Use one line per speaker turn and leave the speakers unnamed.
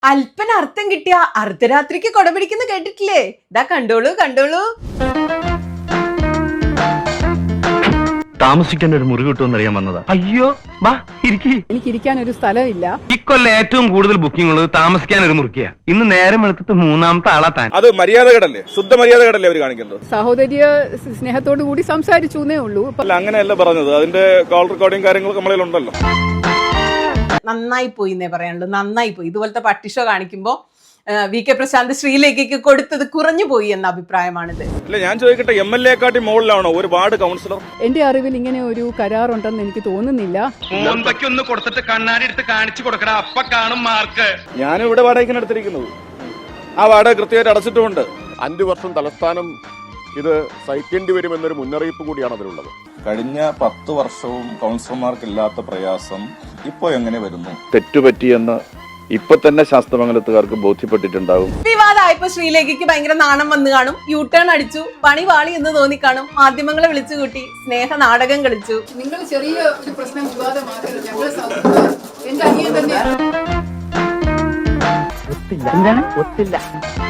അല്പന അർത്ഥം കിട്ടിയ അർദ്ധരാത്രിക്ക് കൊട പിടിക്കുന്ന കേട്ടിട്ടില്ലേ? ഇതാ കണ്ടോളൂ കണ്ടോളൂ.
താമസിക്കാൻ ഒരു മുറി കിട്ടുമെന്ന് അറിയാൻ വന്നതാ. അയ്യോ വാ ഇരിക്കി.
എനിക്ക് ഇരിക്കാൻ ഒരു സ്ഥലമില്ല.
ഇക്കൊല്ലം ഏറ്റവും കൂടുതൽ ബുക്കിംഗ് ഉള്ളത് താമസിക്കാൻ ഒരു മുറിക്കാ. ഇന്ന് നേരം വെളുത്തിട്ട് മൂന്നാമത്തെ ആളാ താൻ.
അത് മര്യാദകേടല്ലേ, ശുദ്ധ മര്യാദകേടല്ലേ അവർ കാണിക്കുന്നത്?
സഹോദര്യ സ്നേഹത്തോടു കൂടി സംസാരിച്ചേ ഉള്ളൂ.
അല്ല, അങ്ങനെയല്ല പറഞ്ഞത്. അതിന്റെ കോൾ റെക്കോർഡിംഗ് കാര്യങ്ങളൊക്കെ നമ്മളിൽ ഉണ്ടല്ലോ.
നന്നായി പോയി എന്നേ പറയാനുള്ളൂ, നന്നായി പോയി. ഇതുപോലത്തെ പട്ടിഷോ കാണിക്കുമ്പോ വി കെ പ്രശാന്ത് ശ്രീലേഖയ്ക്ക് കൊടുത്തത് കുറഞ്ഞു പോയി എന്ന അഭിപ്രായമാണിത്.
അല്ല, ഞാൻ ചോദിക്കട്ടെ, എംഎൽഎ കാട്ടി മുകളിലാണോ ഒരു വാർഡ് കൗൺസിലർ?
എന്റെ അറിവിൽ ഇങ്ങനെ ഒരു കരാറുണ്ടെന്ന് എനിക്ക് തോന്നുന്നില്ല.
ഒന്ന് കൊടുത്തിട്ട് കണ്ണാടി എടുത്ത് കാണിച്ചു കൊടുക്കടാ, അപ്പ കാണും മാർക്ക്.
ഞാനും ഇവിടെ വാടകയ്ക്കാണ് എടുത്തിരിക്കുന്നത്. ആ വാടക കൃത്യമായിട്ട് അടച്ചിട്ടുമുണ്ട്.
5 വർഷം തലസ്ഥാനം ഇത് സഹിക്കേണ്ടി വരുമെന്നൊരു മുന്നറിയിപ്പ് കൂടിയാണ് അതിലുള്ളത്.
കഴിഞ്ഞ 10 വർഷവും കൗൺസിലർമാർക്കില്ലാത്ത പ്രയാസം ഇപ്പോ എങ്ങനെ വരുന്നു?
തെറ്റുപറ്റിയെന്ന് ഇപ്പൊ തന്നെ ശാസ്ത്രമംഗലത്തുകാർക്ക് ബോധ്യപ്പെട്ടിട്ടുണ്ടാകും.
വിവാദമായപ്പോ ശ്രീലേഖയ്ക്ക് ഭയങ്കര നാണം വന്നു കാണും, യു ടേൺ അടിച്ചു, പണി വാളി എന്ന് തോന്നിക്കാണും, മാധ്യമങ്ങളെ വിളിച്ചു കൂട്ടി സ്നേഹ നാടകം കളിച്ചു.
നിങ്ങൾ ചെറിയ ഒരു പ്രശ്നം വിവാദമാക്കരുത്. എന്റെ അനിയൻ തന്നെയാണ്.
ഒത്തില്ല.